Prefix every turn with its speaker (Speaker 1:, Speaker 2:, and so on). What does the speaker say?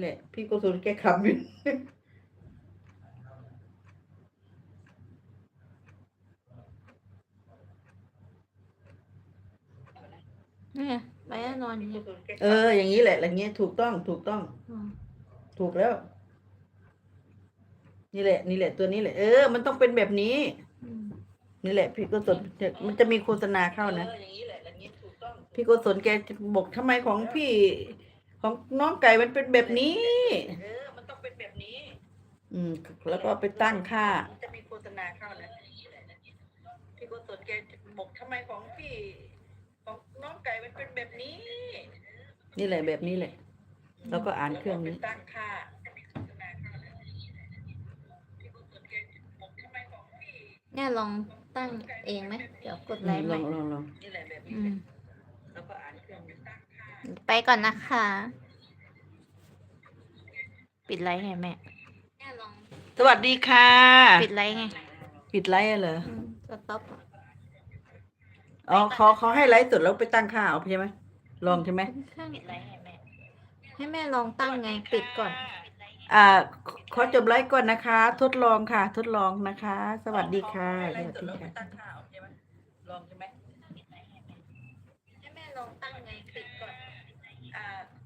Speaker 1: แหละพี่โกศลแกขับอยู่
Speaker 2: นี่ไงไปแล้วนอนอยู่
Speaker 1: อย่างนี้แหละอย่างเงี้ยถูกต้องถูกต้อง ถูกแล้ว นี่แหละนี่แหละตัวนี้แหละมันต้องเป็นแบบนี้ นี่แหละพี่โกศลมันจะมีโฆษณาเข้านะพี่โกศลแกจะบอกทำไมของพี่ ของน้องไก่มันเป็นแบบนี้มันต้องเป็นแบบนี้ แล้วก็ไปตั้งค่าจะมีโฆษณาเข้านะพี่โกศลแกจะบอกทำไมของพี่ ของน้องไก่มันเป็นแบบนี้ นี่แหละแบบนี้แหละ แล้วก็อ่านเครื่องนี้ตั้งค่า
Speaker 2: เนี่ยลองตั้งเองไหมเดี๋ยวกดไลค์ใหม่
Speaker 1: ลองนี่แหละแบบนี้แล้วก็อ่านเครื่องนี้ตั้งค่า
Speaker 2: ไปก่อนนะคะ ปิดไลค์ไงแม่
Speaker 1: สวัสดีค่ะ
Speaker 2: ปิดไลค์ไง
Speaker 1: ปิดไลฟ์เหรอ
Speaker 2: สต็อป
Speaker 1: อ๋อเขาให้ไลฟ์สดแล้วไปตั้งค่าเอาใช่ไหมลองใช่ไหม
Speaker 2: ปิดไลค์ไงแม่ ให้แม่ลองตั้งไง ปิดก่อน
Speaker 1: ขอจบไลฟ์ก่อนนะคะ ทดลองค่ะ ทดลองนะคะ สวัสดีค่ะสวัสดีค่ะลองใช่ไหม
Speaker 2: ให้แม่ลองตั้งไง ปิดก่อน